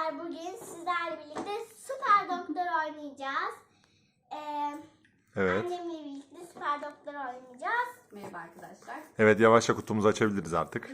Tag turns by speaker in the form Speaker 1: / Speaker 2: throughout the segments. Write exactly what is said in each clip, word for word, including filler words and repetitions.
Speaker 1: arkadaşlar, bugün sizlerle birlikte Süper Doktor oynayacağız. Ee,
Speaker 2: Evet.
Speaker 1: Annemle birlikte Süper Doktor oynayacağız.
Speaker 3: Merhaba arkadaşlar.
Speaker 2: Evet, yavaşça kutumuzu açabiliriz artık.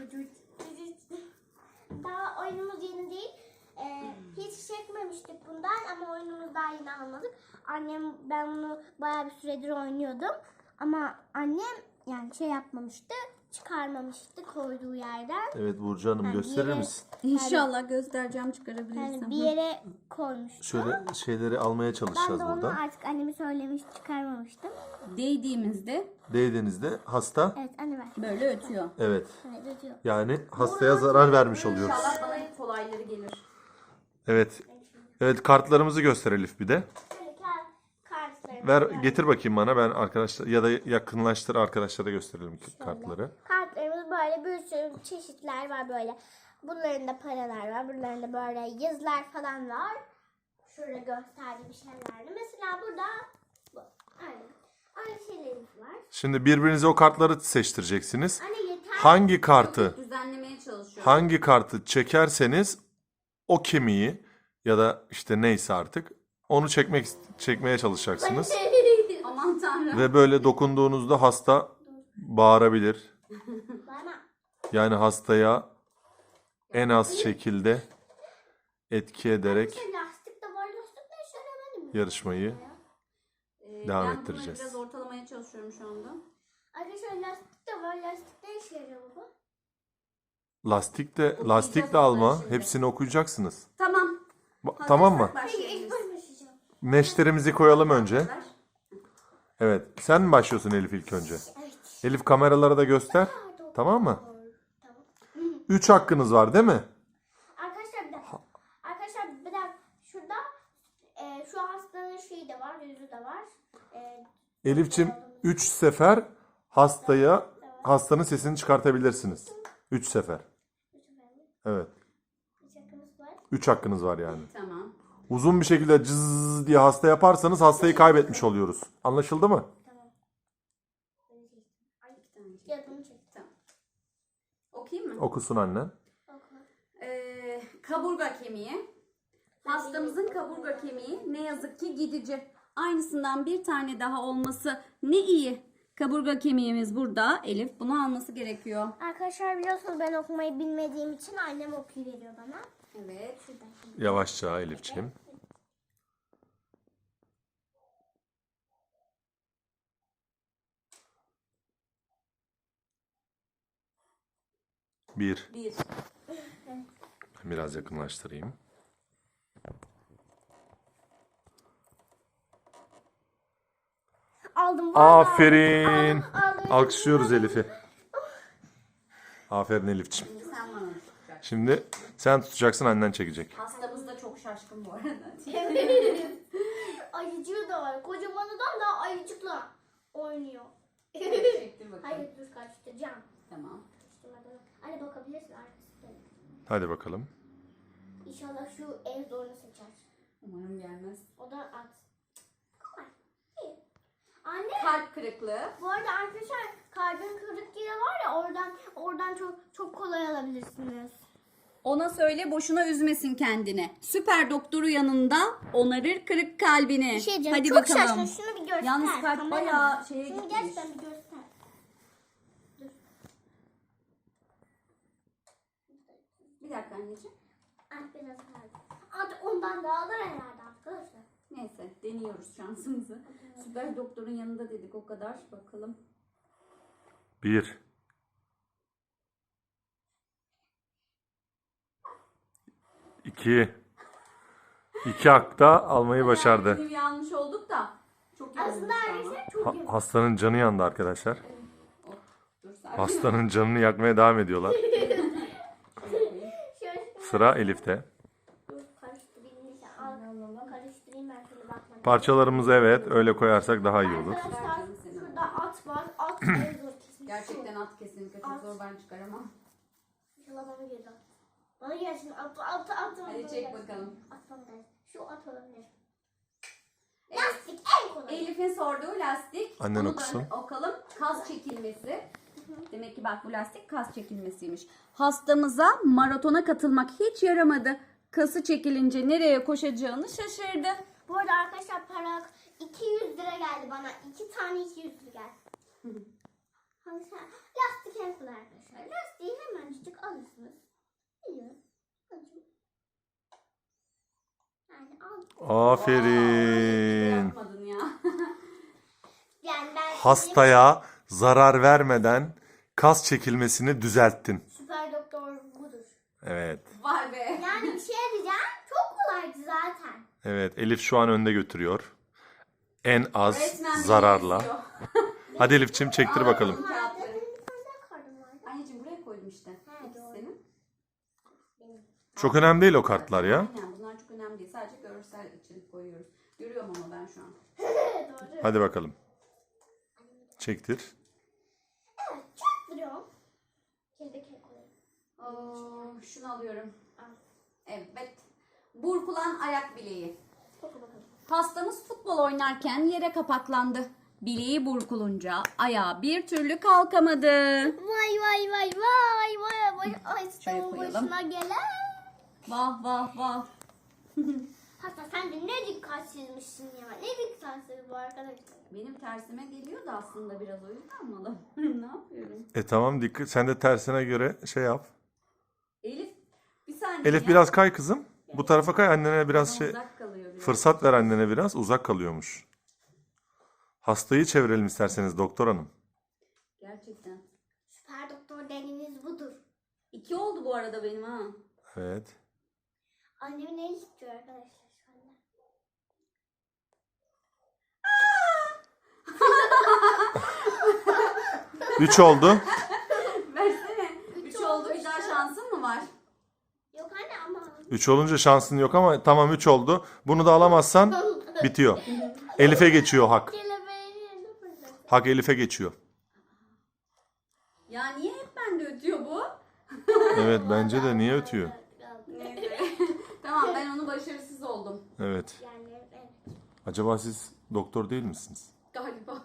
Speaker 1: Daha oyunumuz yeni değil. Ee, hiç çekmemiştik bundan ama oyunumuzu daha yeni almadık. Annem, ben bunu bayağı bir süredir oynuyordum. Ama annem yani şey yapmamıştı, çıkarmamıştı koyduğu yerden.
Speaker 2: Evet Burcu Hanım,
Speaker 1: Yani
Speaker 2: gösterir
Speaker 1: yere-
Speaker 2: misin?
Speaker 3: İnşallah göstereceğim, çıkarabilirsem.
Speaker 1: Yani bir yere koymuştu.
Speaker 2: Şöyle şeyleri almaya
Speaker 1: Ben
Speaker 2: çalışacağız
Speaker 1: de onu
Speaker 2: buradan.
Speaker 1: artık annemi söylemiş, çıkarmamıştım.
Speaker 3: Değdiğimizde
Speaker 2: Değdiğinizde hasta,
Speaker 1: Evet anne ver.
Speaker 3: böyle ötüyor.
Speaker 2: evet,
Speaker 1: Evet ödüyor.
Speaker 2: yani hastaya zarar vermiş oluyoruz.
Speaker 3: İnşallah bana en kolayları gelir.
Speaker 2: Evet. Evet, kartlarımızı göster Elif bir de.
Speaker 1: Şöyle kar- kartlarımı
Speaker 2: Ver,
Speaker 1: böyle.
Speaker 2: getir bakayım bana, ben arkadaşlar ya da yakınlaştır, arkadaşlara gösterelim kartları.
Speaker 1: Kartlarımız böyle bir sürü çeşitler var böyle. Bunların da paralar var. Bunların da böyle yazılar falan var. Şurada gösterdiğim şeylerdi. Mesela burada bu. Aynı. Aynı şeylerimiz var.
Speaker 2: Şimdi birbirinize o kartları seçtireceksiniz.
Speaker 1: Anne yeter.
Speaker 2: Hangi kartı
Speaker 3: Düzenlemeye çalışıyorum.
Speaker 2: hangi kartı çekerseniz o kemiği ya da işte neyse artık onu çekmek çekmeye çalışacaksınız.
Speaker 3: Aman tanrım.
Speaker 2: Ve böyle dokunduğunuzda hasta bağırabilir.
Speaker 1: Bana.
Speaker 2: Yani hastaya en az şekilde etki ederek
Speaker 1: Şey, lastik de var. Lastik de işe yaramadı mı?
Speaker 2: yarışmayı
Speaker 3: Ee,
Speaker 2: devam
Speaker 3: ben
Speaker 2: ettireceğiz.
Speaker 3: bunu biraz ortalamaya çalışıyorum şu anda.
Speaker 1: Arkadaşlar lastik de var. Lastik de işe yarıyor baba.
Speaker 2: lastik de lastik de alma. Hepsini okuyacaksınız.
Speaker 3: Tamam.
Speaker 2: Ba- Tamam mı?
Speaker 1: Peki ilk
Speaker 3: Başlayabiliriz.
Speaker 1: ben başlayacağım.
Speaker 2: Neşterimizi koyalım önce.
Speaker 3: Arkadaşlar,
Speaker 2: Evet. Sen mi başlıyorsun Elif ilk önce?
Speaker 1: Evet.
Speaker 2: Elif kameralara da göster. Tamam mı?
Speaker 1: Tamam.
Speaker 2: Üç hakkınız var değil mi?
Speaker 1: Arkadaşlar bir dakika. Arkadaşlar bir dakika. Şurada e, şu hastanın şeyi de var, yüzü de var. E,
Speaker 2: Elifçim üç sefer hastaya hastanın sesini çıkartabilirsiniz. Üç sefer. Evet.
Speaker 1: üç hakkımız var.
Speaker 2: Üç hakkınız var yani.
Speaker 3: tamam.
Speaker 2: Uzun bir şekilde cız diye hasta yaparsanız hastayı kaybetmiş oluyoruz. Anlaşıldı mı?
Speaker 1: Tamam.
Speaker 3: Ay, iki tane çek.
Speaker 1: Yazımı çek.
Speaker 3: Tamam. Okuyayım mı?
Speaker 2: Okusun annen.
Speaker 1: Oku.
Speaker 3: Ee, kaburga kemiği. Hastamızın kaburga kemiği ne yazık ki gidici. Aynısından bir tane daha olması ne iyi. Kaburga kemiğimiz burada. Elif bunu alması gerekiyor.
Speaker 1: Arkadaşlar biliyorsunuz ben okumayı bilmediğim için annem okuyuveriyor bana.
Speaker 3: Evet.
Speaker 2: Yavaşça Elifçim. Bir.
Speaker 3: Bir.
Speaker 2: Biraz yakınlaştırayım.
Speaker 1: Aldım. vallahi
Speaker 2: Aferin.
Speaker 1: aldım, aldım.
Speaker 2: Alkışlıyoruz Elif'i. Aferin Elifçim.
Speaker 3: Şimdi sen bana tutacaksın.
Speaker 2: Şimdi sen tutacaksın, annen çekecek.
Speaker 3: Hastamız da çok şaşkın bu arada.
Speaker 1: Ayıcığı da var. Kocamanından da ayıcıkla oynuyor.
Speaker 3: Çektir bakalım.
Speaker 1: Hayır dur karıştıracağım.
Speaker 3: Tamam.
Speaker 1: Karıştırmadan. Anne bakabilirsin arkasında.
Speaker 2: Hadi bakalım.
Speaker 1: İnşallah şu en zorunu seçer.
Speaker 3: Umarım gelmez.
Speaker 1: O da at. Kolay. İyi. Anne.
Speaker 3: Kalp kırıklığı.
Speaker 1: Bu arada arkadaşlar kalbin kırık yeri var ya, oradan oradan çok çok kolay alabilirsiniz.
Speaker 3: Ona söyle, boşuna üzmesin kendini. Süper doktoru yanında onarır kırık kalbini.
Speaker 1: Bir şey diyeceğim.
Speaker 3: Hadi
Speaker 1: çok
Speaker 3: bakalım.
Speaker 1: şaşkın. Şunu bir göster.
Speaker 3: Yalnız kalp
Speaker 1: kameraman.
Speaker 3: bayağı şeye
Speaker 1: Şunu
Speaker 3: gitmiş.
Speaker 1: gerçekten bir göster. Dur.
Speaker 3: Bir dakika anneciğim.
Speaker 1: Ah biraz kaldı. Artık ondan da alır herhalde arkadaşlar.
Speaker 3: Neyse, deniyoruz şansımızı. Süper doktorun yanında dedik, o kadar. Bakalım.
Speaker 2: Bir. İki. İki hakta almayı başardı.
Speaker 3: Yani yanlış olduk da. Çok iyi
Speaker 1: Aslında
Speaker 3: olmuş ama.
Speaker 1: arkadaşlar çok
Speaker 2: Ha-
Speaker 1: iyi.
Speaker 2: hastanın canı yandı arkadaşlar.
Speaker 3: Oh, dur sakin.
Speaker 2: Hastanın canını yakmaya devam ediyorlar.
Speaker 1: Şöyle
Speaker 2: Sıra Elif'te.
Speaker 1: dur karıştırayım. Neyse, al. Karıştırayım ben şöyle bakmadım.
Speaker 2: Parçalarımızı evet öyle koyarsak daha iyi olur.
Speaker 1: Arkadaşlar şurada at var. At en zor kesin.
Speaker 3: Gerçekten at kesinlikle çok zor, ben çıkaramam.
Speaker 1: İnşallah bana gelir. Bana gelsin at at at.
Speaker 3: Hadi
Speaker 1: bana
Speaker 3: çek
Speaker 1: gelsin.
Speaker 3: bakalım.
Speaker 1: At bana gelsin. Şu at olabilir.
Speaker 3: Evet.
Speaker 1: Lastik en kolay.
Speaker 3: Elif'in sorduğu lastik.
Speaker 2: Annen
Speaker 3: Onu da
Speaker 2: okusun.
Speaker 3: okalım. Kas çekilmesi. Demek ki bak, bu lastik kas çekilmesiymiş. Hastamıza maratona katılmak hiç yaramadı. Kası çekilince nereye koşacağını şaşırdı.
Speaker 1: Bu arada arkadaşlar para iki yüz lira geldi bana. iki tane iki yüz lira geldi. Hangisi? Lastik en kolay arkadaşlar. Lastiği hemencik alırsınız. Biliyorum. Acım. Yani al.
Speaker 2: Aferin.
Speaker 3: Yapmadın ya.
Speaker 1: Yani ben
Speaker 2: Hastaya zarar vermeden kas çekilmesini düzelttin.
Speaker 1: süper doktor budur.
Speaker 2: Evet.
Speaker 3: Vay be.
Speaker 1: Yani bir şey diyeceğim. Çok kolaydı zaten.
Speaker 2: Evet, Elif şu an önde götürüyor. En az
Speaker 3: Resmen beni
Speaker 2: zararla.
Speaker 3: eziyor.
Speaker 2: Hadi Elif'ciğim çektir bakalım.
Speaker 1: Vardı.
Speaker 3: Kağıtları.
Speaker 1: Benim bir tane daha kartım vardı.
Speaker 3: Anneciğim buraya koydum işte.
Speaker 1: Ha, doğru.
Speaker 3: İkisini.
Speaker 2: Çok önemli değil o kartlar ya.
Speaker 3: Aynen bunlar çok önemli değil. Sadece görsel için koyuyoruz. Görüyorum ama ben şu an.
Speaker 1: Doğru.
Speaker 2: Hadi bakalım. Çektir.
Speaker 1: Evet, çok duruyorum. Kelebek koyayım.
Speaker 3: Oo, şunu alıyorum.
Speaker 1: Al.
Speaker 3: Evet. Burkulan ayak bileği.
Speaker 1: Oku bakalım.
Speaker 3: Hastamız futbol oynarken yere kapaklandı. Bileği burkulunca ayağı bir türlü kalkamadı.
Speaker 1: Vay vay vay vay vay vay. Ay
Speaker 3: Şuraya
Speaker 1: sıçramın
Speaker 3: koyalım.
Speaker 1: başına gelen.
Speaker 3: Vah vah vah.
Speaker 1: Hatta sen de ne dikkatsizmişsin ya. Ne dikkatsiz bu arkadaşlar.
Speaker 3: Benim tersime geliyordu aslında biraz o yüzden mi? Ne yapıyorum?
Speaker 2: E tamam dikkat. Sen de tersine göre şey yap.
Speaker 3: Elif bir saniye
Speaker 2: Elif
Speaker 3: ya.
Speaker 2: biraz kay kızım. Bu tarafa kay, annene biraz şey
Speaker 3: Uzak kalıyor biraz.
Speaker 2: fırsat ver, annene biraz uzak kalıyormuş. Hastayı çevirelim isterseniz doktor hanım.
Speaker 3: Gerçekten.
Speaker 1: Süper doktor dediğiniz budur.
Speaker 3: İki oldu bu arada benim ha.
Speaker 2: Evet.
Speaker 1: Annemin eli tutuyor arkadaşlar şu anda.
Speaker 2: Üç oldu.
Speaker 3: Versene. Üç oldu. Bir daha şansın mı var?
Speaker 1: Yok anne ama.
Speaker 2: Üç olunca şansın yok ama tamam üç oldu. Bunu da alamazsan bitiyor. Elif'e geçiyor hak.
Speaker 1: Kelebeğin yerine fırladı.
Speaker 2: Hak Elif'e geçiyor.
Speaker 3: Ya niye hep bende ötüyor bu?
Speaker 2: Evet bence de niye ötüyor?
Speaker 3: Neyse. Tamam ben onu başarısız oldum.
Speaker 2: Evet.
Speaker 1: Yani evet.
Speaker 2: Acaba siz doktor değil misiniz?
Speaker 3: Galiba.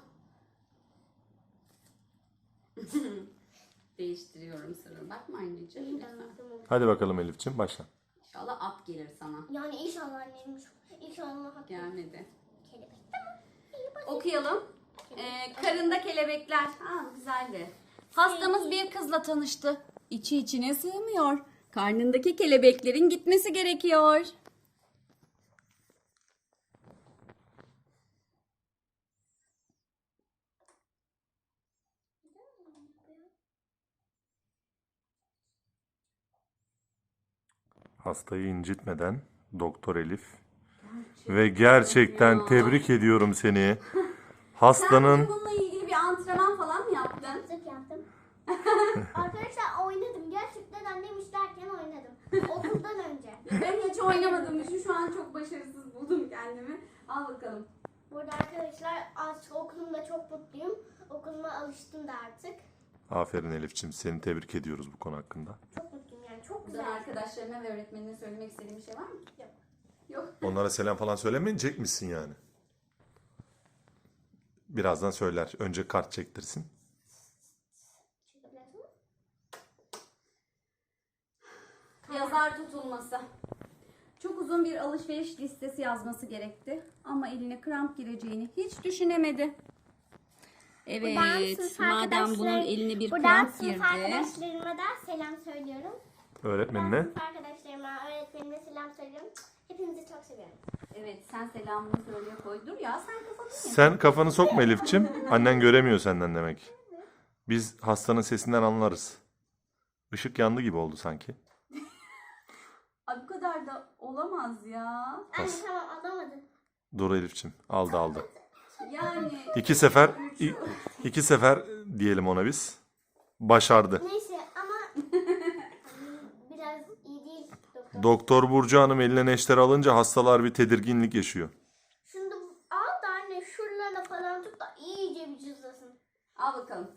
Speaker 3: Değiştiriyorum sırrı. Bakma anneciğim lütfen.
Speaker 2: Hadi bakalım Elif'ciğim başla.
Speaker 3: İnşallah at gelir sana.
Speaker 1: Yani inşallah annem inşallah hak
Speaker 3: Gelmedi.
Speaker 1: kelebek. Tamam. İyi basit.
Speaker 3: Okuyalım. Ee, karında kelebekler. Aa, güzeldi. Hastamız bir kızla tanıştı. İçi içine sığmıyor. Karnındaki kelebeklerin gitmesi gerekiyor.
Speaker 2: Hastayı incitmeden Doktor Elif. Ve gerçekten
Speaker 3: ya.
Speaker 2: tebrik ediyorum seni.
Speaker 3: Sen
Speaker 2: Hastanın
Speaker 3: bununla ilgili bir antrenman falan mı yaptın?
Speaker 1: Zıp yaptım. Arkadaşlar oynadım. Gerçekten annem işlerken oynadım. Okuldan önce.
Speaker 3: Ben hiç oynamadım. Şu, şu an çok başarısız buldum kendimi. Al bakalım.
Speaker 1: Burada arkadaşlar artık okulumda çok mutluyum. Okuluma alıştım da artık.
Speaker 2: Aferin Elif'ciğim, seni tebrik ediyoruz bu konu hakkında.
Speaker 1: Çok mutluyum yani. Çok
Speaker 3: Buradan
Speaker 1: güzel.
Speaker 3: arkadaşlarına ve öğretmenine söylemek istediğin bir şey var mı?
Speaker 1: Yok.
Speaker 3: Yok.
Speaker 2: Onlara selam falan söylemeyecek misin yani? Birazdan söyler. Önce kart çektirsin.
Speaker 1: Çekebilirsin mi?
Speaker 3: Yazar tutulması. Çok uzun bir alışveriş listesi yazması gerekti. Ama eline kramp gireceğini hiç düşünemedi.
Speaker 1: Buradan
Speaker 3: Evet,
Speaker 1: sınıf
Speaker 3: madem bunun
Speaker 1: arkadaşlar-
Speaker 3: eline bir
Speaker 1: buradan
Speaker 3: kramp
Speaker 1: sınıf
Speaker 3: girdi.
Speaker 1: arkadaşlarıma da selam söylüyorum. Ben
Speaker 2: Öğretmenine.
Speaker 1: sınıf arkadaşlarıma, öğretmenime selam söylüyorum. Hepinizi çok seviyorum.
Speaker 3: Evet, sen selamını söyleye koy. Dur ya, sen kafanı ye.
Speaker 2: Sen kafanı sokma Elif'ciğim. Annen göremiyor senden demek. Biz hastanın sesinden anlarız. Işık yandı gibi oldu sanki.
Speaker 3: Ay, bu kadar da olamaz ya.
Speaker 1: Anne tamam alamadım.
Speaker 2: Dur Elif'ciğim. Aldı aldı.
Speaker 3: Yani
Speaker 2: İki sefer, i- iki sefer diyelim ona biz. Başardı.
Speaker 1: Neyse ama biraz iyi değil doktor.
Speaker 2: Doktor Burcu Hanım eline neşter alınca hastalar bir tedirginlik yaşıyor.
Speaker 1: Şunu da al da anne şuralarına falan tut da iyice bir cızlasın.
Speaker 3: al bakalım.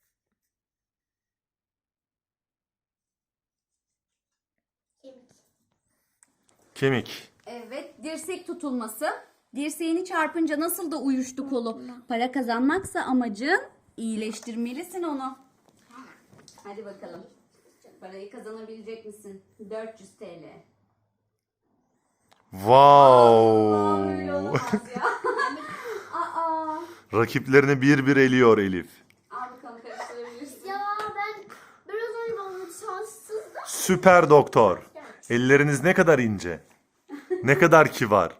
Speaker 1: Kemik.
Speaker 2: Kemik.
Speaker 3: Evet, dirsek tutulması. Dirseğini çarpınca nasıl da uyuştu kolu. Para kazanmaksa amacın, iyileştirmelisin onu. Hadi bakalım. Parayı kazanabilecek misin? dört yüz T L.
Speaker 2: Wow.
Speaker 3: Öyle olamaz ya. Aa.
Speaker 2: Rakiplerini bir bir eliyor Elif.
Speaker 3: Al bakalım, karıştırabilirsin.
Speaker 1: Ya ben biraz önce bana şanssızdım.
Speaker 2: Süper doktor. Elleriniz ne kadar ince. Ne kadar kibar.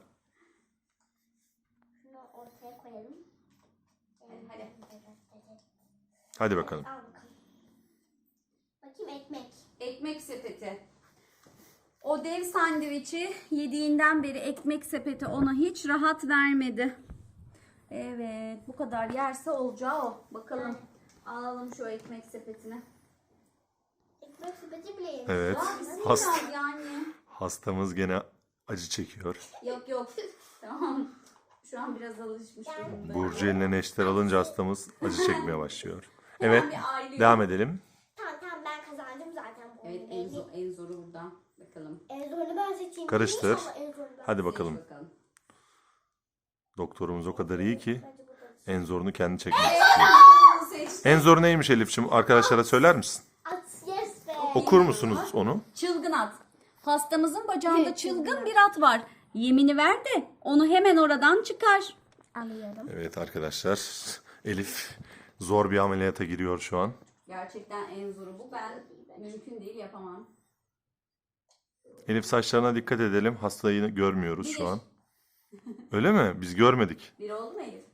Speaker 1: Şunu ortaya koyalım.
Speaker 3: Hadi.
Speaker 2: Hadi bakalım.
Speaker 1: Al bakalım. Bakayım ekmek.
Speaker 3: Ekmek sepeti. O dev sandviçi yediğinden beri ekmek sepeti ona hiç rahat vermedi. Evet, bu kadar yerse olacağı o. Bakalım. Alalım şu ekmek sepetini.
Speaker 1: Ekmek sepeti bile yemiş.
Speaker 2: Evet.
Speaker 3: Ya bizim
Speaker 2: Hast
Speaker 3: biraz yani.
Speaker 2: hastamız gene acı çekiyor.
Speaker 3: Yok yok. Tamam. Şu an biraz alışmış durumda.
Speaker 2: Burcu eline neşter alınca hastamız acı çekmeye başlıyor. Evet.
Speaker 3: bir aile-
Speaker 2: Devam edelim.
Speaker 1: Tamam tamam ben kazandım zaten. Bu
Speaker 3: Evet, en, zor, en zoru burada. Bakalım.
Speaker 1: En zorunu ben seçeyim.
Speaker 2: Karıştır.
Speaker 1: İnşallah en zorunu ben
Speaker 2: Hadi
Speaker 3: Seç
Speaker 2: bakalım.
Speaker 3: bakalım.
Speaker 2: Doktorumuz o kadar iyi ki
Speaker 1: Bence bu da-
Speaker 2: en zorunu kendi çekmek istiyor.
Speaker 3: Bunu seçtim.
Speaker 2: En zoru neymiş Elif'ciğim? Arkadaşlara söyler misin?
Speaker 1: At yes be.
Speaker 2: Okur musunuz onu?
Speaker 3: Çılgın at. Hastamızın bacağında çılgın bir at var. Yemini ver de onu hemen oradan çıkar.
Speaker 1: Alıyorum.
Speaker 2: Evet arkadaşlar. Elif zor bir ameliyata giriyor şu an.
Speaker 3: Gerçekten en zoru bu. Ben mümkün değil, yapamam.
Speaker 2: Elif saçlarına dikkat edelim. Hastayı görmüyoruz şu an. Öyle mi? Biz görmedik.
Speaker 3: Bir oldu mu Elif?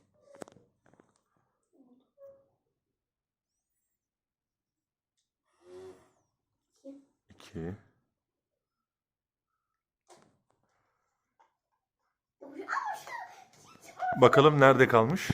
Speaker 2: İki. Bakalım nerede kalmış?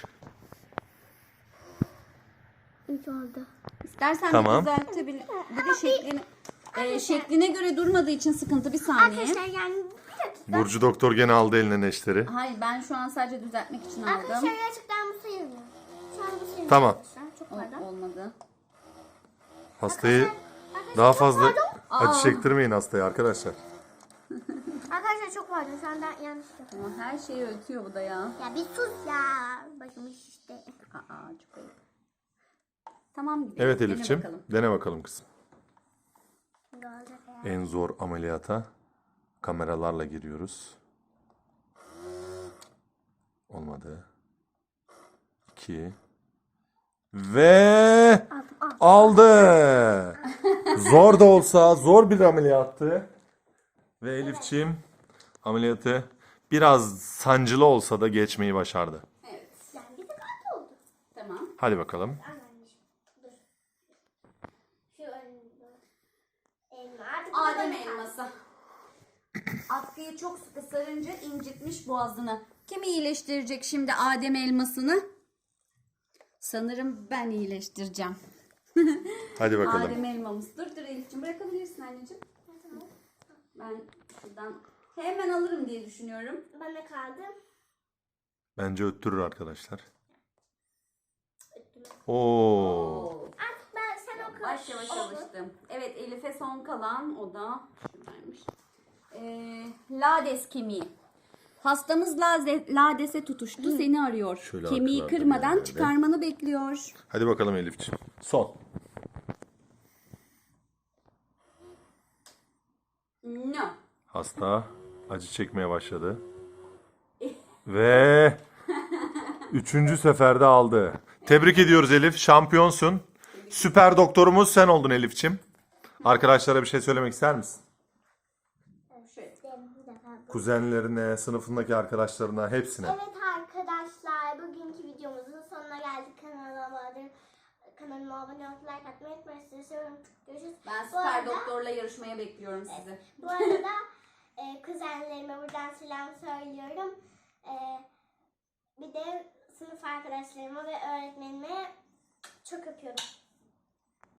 Speaker 1: Üç oldu.
Speaker 3: İstersen
Speaker 2: Tamam.
Speaker 3: bir düzeltebilir. Bir de şeklini, e, şekline göre durmadığı için sıkıntı, bir saniye.
Speaker 1: Arkadaşlar yani bir dakika.
Speaker 2: Burcu doktor gene aldı eline neşteri.
Speaker 3: Hayır, ben şu an sadece düzeltmek için aldım.
Speaker 1: Arkadaşlar gerçekten bu sayılmıyor. Şu an bu sayılmıyor.
Speaker 2: Tamam.
Speaker 1: Arkadaşlar. Çok
Speaker 3: O-
Speaker 1: pardon.
Speaker 3: olmadı.
Speaker 2: Hastayı daha fazla
Speaker 3: Aa.
Speaker 2: acı çektirmeyin hastaya arkadaşlar.
Speaker 1: Arkadaşlar çok pardon. Şu anda yanlış yaptım.
Speaker 3: Ama her şeyi ötüyor bu da ya.
Speaker 1: Ya bir sus ya. Başım işte.
Speaker 3: Aa, çok ayıp. Tamam gidelim.
Speaker 2: Evet
Speaker 3: Dene
Speaker 2: Elif'ciğim.
Speaker 3: bakalım.
Speaker 2: Dene bakalım kızım.
Speaker 1: Şimdi olacak ya.
Speaker 2: En zor ameliyata kameralarla giriyoruz. Olmadı. İki. Ve aldı. Zor da olsa zor bir ameliyattı. Ve Elif'ciğim ameliyatı biraz sancılı olsa da geçmeyi başardı.
Speaker 3: Evet.
Speaker 1: Yani bir de kaç oldu?
Speaker 3: Tamam.
Speaker 2: Hadi bakalım.
Speaker 1: Anneanneciğim. Dur. Şu önünde. Elma. Artık
Speaker 3: Adem
Speaker 1: burada-
Speaker 3: elması. Atkıyı çok sıkı sarınca incitmiş boğazını. Kim iyileştirecek şimdi Adem elmasını? Sanırım ben iyileştireceğim.
Speaker 2: Hadi bakalım.
Speaker 3: Adem elmamız. Dur dur Elif'ciğim, bırakabilirsin anneciğim. Ben şuradan hemen alırım diye düşünüyorum.
Speaker 1: Bana kaldı.
Speaker 2: Bence öttürür arkadaşlar. Oo.
Speaker 3: Oo.
Speaker 1: Artık ben sen oku.
Speaker 3: Yavaş yavaş
Speaker 1: Oldu.
Speaker 3: alıştım. Evet, Elif'e son kalan o da şuradaymış. Ee, lades kemiği. Hastamız laze, ladese tutuştu, seni arıyor.
Speaker 2: Şöyle
Speaker 3: Kemiği
Speaker 2: arkalarda bir
Speaker 3: kırmadan
Speaker 2: yerlerde.
Speaker 3: çıkarmanı bekliyor.
Speaker 2: Hadi bakalım Elif'ciğim. Son.
Speaker 3: No.
Speaker 2: Hasta acı çekmeye başladı. Ve üçüncü seferde aldı. Tebrik ediyoruz Elif. Şampiyonsun. Süper doktorumuz sen oldun Elif'ciğim. Arkadaşlara bir şey söylemek ister misin?
Speaker 3: Şöyle.
Speaker 1: Bir defa.
Speaker 2: Kuzenlerine, sınıfındaki arkadaşlarına, hepsine.
Speaker 1: Evet arkadaşlar, bugünkü videomuzun sonuna geldik. Kanalıma abone, kanalıma abone olup like atmayı unutmayın. Sizi seviyorum. Görüşürüz.
Speaker 3: Ben
Speaker 1: Bu
Speaker 3: süper
Speaker 1: arada-
Speaker 3: doktorla yarışmaya bekliyorum sizi.
Speaker 1: Bu arada e, kuzenlerime buradan selam söylüyorum. E, bir de sınıf arkadaşlarıma ve öğretmenime çok öpüyorum.